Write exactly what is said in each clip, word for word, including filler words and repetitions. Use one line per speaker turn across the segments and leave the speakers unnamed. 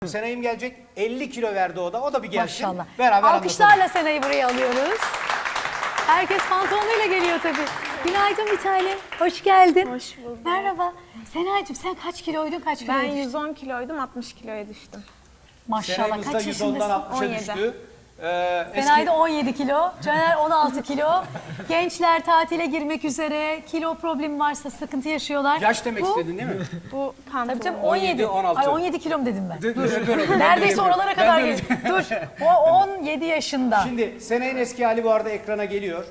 Senay'ım gelecek. elli kilo verdi o da. O da bir gelsin.
Maşallah.
Beraber
Alkışlarla
anlatalım.
Senay'ı buraya alıyoruz. Herkes pantolonuyla geliyor tabii. Günaydın bir tane. Hoş geldin.
Hoş bulduk.
Merhaba. Senay'cığım sen kaç kiloydun, kaç kiloya
Ben
düştün?
yüz on kiloydum, altmış kiloya düştüm.
Maşallah.
Senay'ımız da
Kaç
yüz ondan
yaşındasın?
altmışa
on yedi.
düştü. Ee,
Senay da on yedi kilo, Caner on altı kilo. Gençler tatile girmek üzere. Kilo problemi varsa sıkıntı yaşıyorlar.
Yaş demek
Bu-
istedin değil mi?
Bu pantolon.
Tabii canım
on yedi,
on yedi.
on altı.
Ay on yedi kilom dedim ben.
Dur, dur, dur. Ben
Neredeyse
de-
oralara
ben
kadar
de-
geldim. Dur. O on yedi yaşında.
Şimdi Senay'ın eski hali bu arada ekrana geliyor.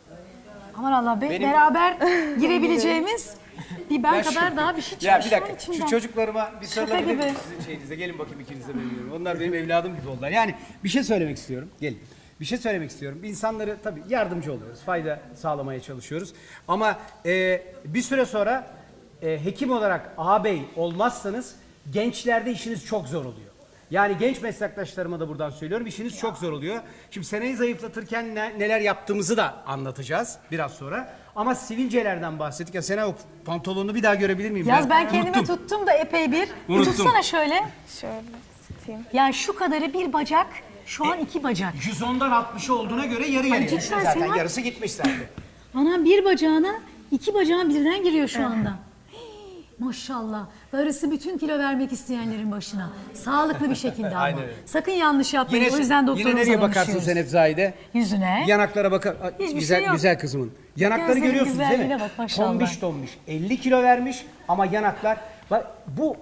Aman Allah be,
Benim-
beraber girebileceğimiz bir ben
Ya
kadar
şu-
daha bir şey çıkıyor
Ya bir
şu an
dakika
içinden.
şu çocuklarıma bir sarılabilir
gibi.
miyim sizin şeyinize? Gelin bakayım ikiniz de benim yanıma. Onlar benim evladım gibi oldular. Yani bir şey söylemek istiyorum. Gelin. Bir şey söylemek istiyorum. İnsanları tabii yardımcı oluyoruz. Fayda sağlamaya çalışıyoruz. Ama e, bir süre sonra e, hekim olarak ağabey olmazsanız gençlerde işiniz çok zor oluyor. Yani genç meslektaşlarıma da buradan söylüyorum. İşiniz çok zor oluyor. Şimdi Senay'ı zayıflatırken ne- neler yaptığımızı da anlatacağız biraz sonra. Ama sivilcelerden bahsettik. Ya Senay o pantolonunu bir daha görebilir miyim?
Yaz ben kendime
unuttum.
tuttum da epey bir. Bir
Unuttum.
tutsana şöyle.
Şöyle tutayım.
Yani şu kadarı bir bacak, şu an iki bacak.
yüz ondan altmışa olduğuna göre yarı yarıya.
cidden
Düşün zaten
Senay.
yarısı gitmiş zaten.
Anam bir bacağına, iki bacağın birden giriyor şu anda. Hii, maşallah. Darısı bütün kilo vermek isteyenlerin başına. Sağlıklı bir şekilde ama.
Aynen öyle.
Sakın yanlış yapmayın.
Yine,
O yüzden
yine
doktorumuza
nereye bakarsın
danışıyoruz.
sen hep Zahide?
Yüzüne.
Yanaklara bakar. Aa,
Hiçbir
güzel
şey yok.
güzel kızımın. Yanakları
Gözlerin
görüyorsunuz değil mi?
güzelliğine bak, maşallah.
Tombiş tombiş. elli kilo vermiş ama yanaklar. Bak bu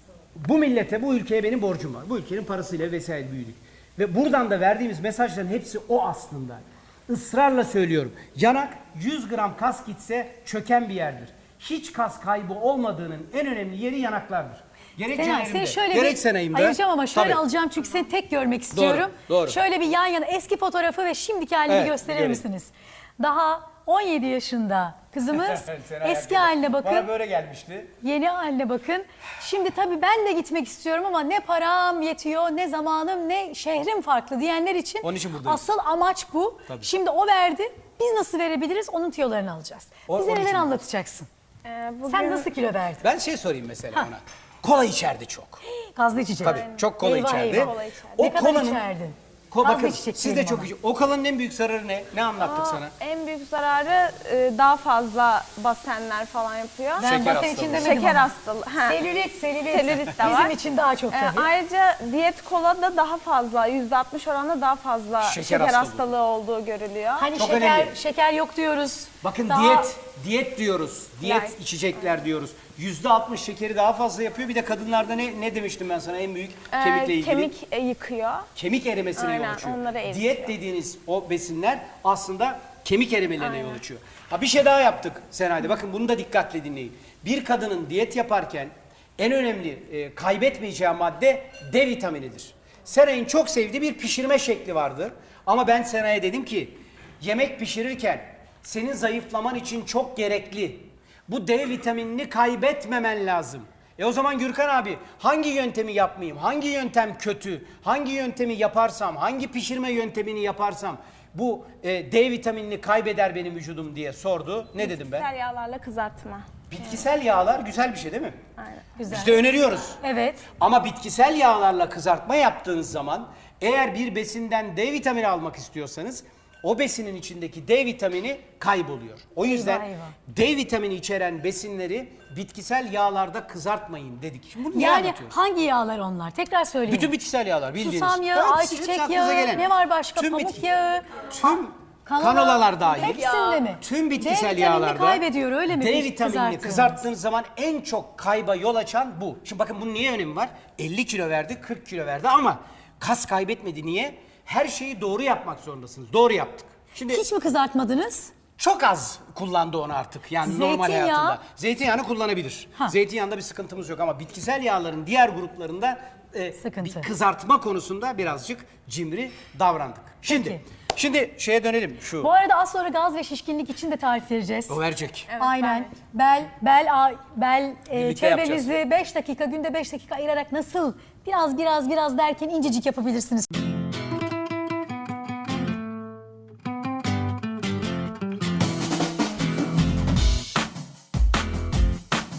bu millete, bu ülkeye benim borcum var. Bu ülkenin parasıyla vesaire büyüdük. Ve buradan da verdiğimiz mesajların hepsi o aslında. Israrla söylüyorum. Yanak yüz gram kas gitse çöken bir yerdir. Hiç kas kaybı olmadığının en önemli yeri yanaklardır. Gerek
Senay
Caner'imde,
seni şöyle
gerek
bir
Senay'ımda.
ayıracağım ama şöyle
Tabii.
alacağım çünkü seni tek görmek istiyorum.
doğru.
Şöyle bir yan yana eski fotoğrafı ve şimdiki halini
Evet,
gösterir
görelim.
misiniz? Daha on yedi yaşında kızımız
Senay
eski
hakikaten.
haline bakın.
Bana böyle gelmişti.
Yeni haline bakın. Şimdi tabii ben de gitmek istiyorum ama ne param yetiyor, ne zamanım, ne şehrim farklı diyenler için
Onun için buradayız.
asıl amaç bu.
Tabii.
Şimdi o verdi. Biz nasıl verebiliriz? Onun tiyolarını alacağız.
O-
Bize
onun
neler
için
anlatacaksın?
Ee, bugün
Sen nasıl kilo verdin?
Ben şey sorayım mesela ona. Kola içerdi çok.
Gazlı içecek.
Tabii çok kola
Eyvah,
içerdi.
eyvah.
Kola içerdi.
O
Ne kadar
kolanın
içerdin?
Ko
Gazlı
bakın
içecek
siz de
diyelim
çok
ama.
iyi. O kolanın en büyük zararı ne? Ne anlattık
Aa,
sana?
en büyük zararı e, daha fazla basenler falan yapıyor.
Ben
Şeker
basen
hastalığı.
için demedim
Şeker
ama.
hastalığı. Ha.
Selülit, selülit.
Selülit de
Bizim
var.
için daha çok
Ee,
tabii.
ayrıca diyet kola da daha fazla, yüzde altmış oranında daha fazla
Şeker
şeker,
hastalığı.
hastalığı olduğu görülüyor.
Hani
Çok
şeker,
önemli.
şeker yok diyoruz.
Bakın
Daha-
diyet, diyet diyoruz. Diyet
Yani.
içecekler diyoruz. yüzde altmış şekeri daha fazla yapıyor. Bir de kadınlarda ne ne demiştim ben sana en büyük
Ee,
kemikle ilgili?
Kemik e, yıkıyor.
Kemik erimesine
Aynen,
yol açıyor.
onları eritiyor.
Diyet dediğiniz o besinler aslında kemik erimelerine yol açıyor. Ha bir şey daha yaptık Senay'da. Bakın bunu da dikkatle dinleyin. Bir kadının diyet yaparken en önemli e, kaybetmeyeceği madde D vitaminidir. Senay'ın çok sevdiği bir pişirme şekli vardır. Ama ben Senay'a dedim ki yemek pişirirken senin zayıflaman için çok gerekli. Bu D vitaminini kaybetmemen lazım. E o zaman Gürkan abi hangi yöntemi yapmayayım? Hangi yöntem kötü? Hangi yöntemi yaparsam, hangi pişirme yöntemini yaparsam bu e, D vitaminini kaybeder benim vücudum diye sordu. Ne dedim ben?
Bitkisel yağlarla kızartma.
Bitkisel yağlar güzel bir şey değil mi?
Aynen.
Güzel.
Biz de öneriyoruz.
Evet.
Ama bitkisel yağlarla kızartma yaptığınız zaman eğer bir besinden D vitamini almak istiyorsanız o besinin içindeki D vitamini kayboluyor. O yüzden
Eyvah, eyvah.
D vitamini içeren besinleri bitkisel yağlarda kızartmayın dedik. Şimdi bunu niye
Yani
anlatıyoruz?
hangi yağlar onlar? Tekrar söyleyin.
Bütün bitkisel yağlar bildiğiniz.
Susam yağı,
Gayet
ayçiçek
sizin
yağı,
aklınıza gelen.
ne var başka?
Tüm
Pamuk
bitki-
yağı.
Tüm
Kanola-
kanolalar dahil.
Hepsinde mi?
Tüm
D
bitkisel
vitaminini
yağlarda
kaybediyor, öyle mi?
D
Biz
vitaminini
kızarttığımız.
kızarttığınız zaman en çok kayba yol açan bu. Şimdi bakın bunun niye önemi var? elli kilo verdi, kırk kilo verdi ama kas kaybetmedi. Niye? Her şeyi doğru yapmak zorundasınız. Doğru yaptık. Şimdi
Hiç mi kızartmadınız?
çok az kullandı onu artık yani normal
Zeytinyağı.
hayatında. Zeytinyağını kullanabilir.
Ha.
Zeytinyağında bir sıkıntımız yok ama bitkisel yağların diğer gruplarında e,
Sıkıntı.
bir kızartma konusunda birazcık cimri davrandık. Şimdi
Peki.
şimdi şeye dönelim şu.
Bu arada az sonra gaz ve şişkinlik için de tarif vereceğiz.
O verecek.
Evet,
Aynen. Bel, bel, a- bel e,
Birlikte
çevrenizi beş dakika, günde beş dakika ayırarak nasıl biraz biraz biraz derken incecik yapabilirsiniz.